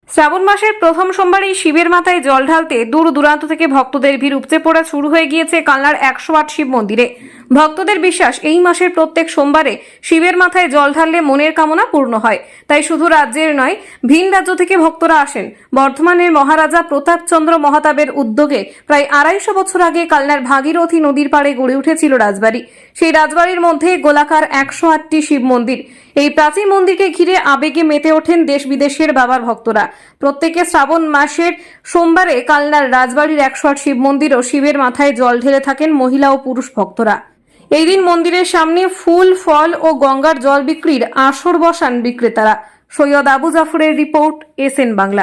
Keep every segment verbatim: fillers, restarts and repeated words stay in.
শ্রাবণ মাসের প্রথম সোমবারেই শিবের মাথায় জল ঢালতে দূর দূরান্ত থেকে ভক্তদের ভিড় উপচে পড়া শুরু হয়ে গিয়েছে কালনার একশো আট শিব মন্দিরে। ভক্তদের বিশ্বাস, এই মাসের প্রত্যেক সোমবারে শিবের মাথায় জল ঢাললে মনের কামনা পূর্ণ হয়। তাই শুধু রাজ্যের নয়, ভিন রাজ্য থেকে ভক্তরা আসেন। বর্ধমানের মহারাজা প্রতাপচন্দ্র মহাতাবের উদ্যোগে প্রায় আড়াইশো বছর আগে কালনার ভাগীরথী নদীর পাড়ে গড়ে উঠেছিল রাজবাড়ি। সেই রাজবাড়ির মধ্যে গোলাকার একশো আটটি শিব মন্দির। এই প্রাচীন মন্দিরকে ঘিরে আবেগে মেতে ওঠেন দেশ বিদেশের বাবার ভক্তরা। প্রত্যেকে শ্রাবণ মাসের সোমবারে কালনার রাজবাড়ির একশো আট শিব মন্দির ও শিবের মাথায় জল ঢেলে থাকেন মহিলা ও পুরুষ ভক্তরা। এই দিন মন্দিরের সামনে ফুল, ফল ও গঙ্গার জল বিক্রির আসর বসান বিক্রেতারা। সৈয়দ আবু জাফরের রিপোর্ট, এস এন বাংলা।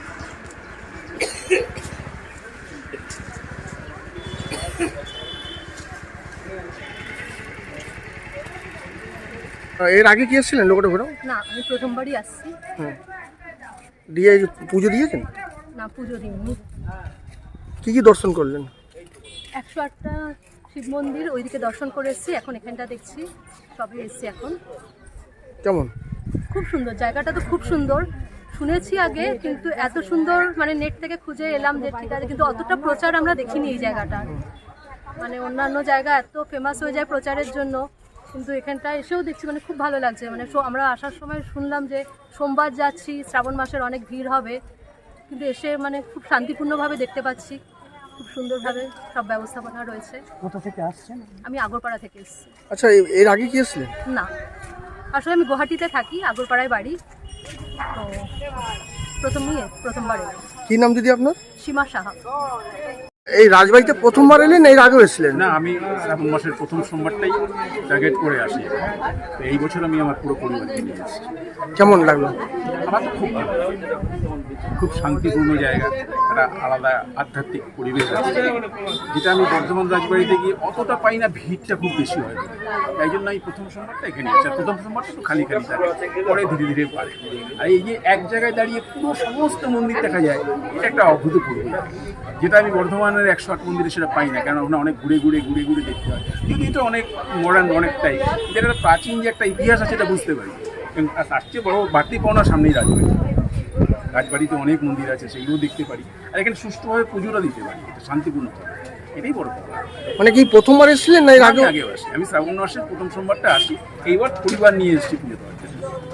এর আগে কি এসেছিলেন লোকটা ঘোরাও? না, আমি প্রথমবারই আসছি। হ্যাঁ, দিয়ে পুজো দিয়েছেন? না, পুজো দিইনি। কি কি দর্শন করলেন? একশো আটটা শিব মন্দির ওইদিকে দর্শন করে এসেছি, এখন এখানটা দেখছি, সবই এসেছি এখন। কেমন? খুব সুন্দর, জায়গাটা তো খুব সুন্দর। শুনেছি আগে, কিন্তু এত সুন্দর মানে নেট থেকে খুঁজে এলাম যে ঠিক আছে, কিন্তু অতটা প্রচার আমরা দেখিনি এই জায়গাটা। মানে অন্যান্য জায়গা এত ফেমাস হয়ে যায় প্রচারের জন্য, কিন্তু এখানটা এসেও দেখছি মানে খুব ভালো লাগছে। মানে আমরা আসার সময় শুনলাম যে সোমবার যাচ্ছি, শ্রাবণ মাসের অনেক ভিড় হবে, কিন্তু এসে মানে খুব শান্তিপূর্ণভাবে দেখতে পাচ্ছি। খুব সুন্দরভাবে সব ব্যবস্থাপনা রয়েছে। কোথা থেকে আসছেন? আমি আগরপাড়া থেকে এসেছি। আচ্ছা, এর আগে কি এসেছিলেন? না, আসলে আমি গুয়াহাটিতে থাকি, আগরপাড়ায় বাড়ি। তো প্রথমই প্রথমবার এলাম। কি নাম দিদি আপনার? সীমা সাহা। এই রাজবাড়িতে প্রথমবার এলেন, এর আগেও এসেছিলেন? না, আমি শ্রাবণ মাসের প্রথম সোমবারটাই টার্গেট করে আসি। তো এই বছর আমি আমার পুরো পরিবারকে নিয়ে এসেছি। কেমন লাগলো? আমার তো খুব ভালো, খুব শান্তিপূর্ণ জায়গা, একটা আলাদা আধ্যাত্মিক পরিবেশ আছে, যেটা আমি বর্ধমান রাজবাড়িতে গিয়ে অতটা পাই না। ভিড়টা খুব বেশি হয়, তাই জন্য এই প্রথম সোমবারটা এখানে আসি। আর প্রথম সোমবারটা একটু খালি খালি থাকে, পরে ধীরে ধীরে পারে। আর এই যে এক জায়গায় দাঁড়িয়ে পুরো সমস্ত মন্দির দেখা যায়, এটা একটা অভূতপূর্ব, যেটা আমি বর্ধমানের একশো আট মন্দিরে সেটা পাই না। কেন ওখানে অনেক ঘুরে ঘুরে ঘুরে ঘুরে দেখতে হয়, কিন্তু এটা অনেক মডার্ন অনেকটাই, যেটা প্রাচীন যে একটা ইতিহাস আছে এটা বুঝতে পারি। তার চেয়ে বড় বাড়তি পাওনার সামনেই রাজবাড়ি। রাজবাড়িতে অনেক মন্দির আছে, সেগুলো দেখতে পারি, আর এখানে সুষ্ঠুভাবে পুজোটা দিতে পারি, এটা শান্তিপূর্ণ থাকে, এটাই বড় কথা। মানে কি প্রথমবার এসেছিলেন না এর আগে? আগেও আসি, আমি শ্রাবণ মাসের প্রথম সোমবারটা আসি, এইবার পরিবার নিয়ে এসেছি পুজো দেওয়ার জন্য।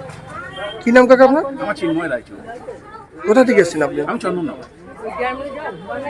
কি নাম কাকা আপনার? আমার চিন্ময় রায়চৌধুরী। কোথা থেকে এসেছেন আপনি? আমি চন্দননগর।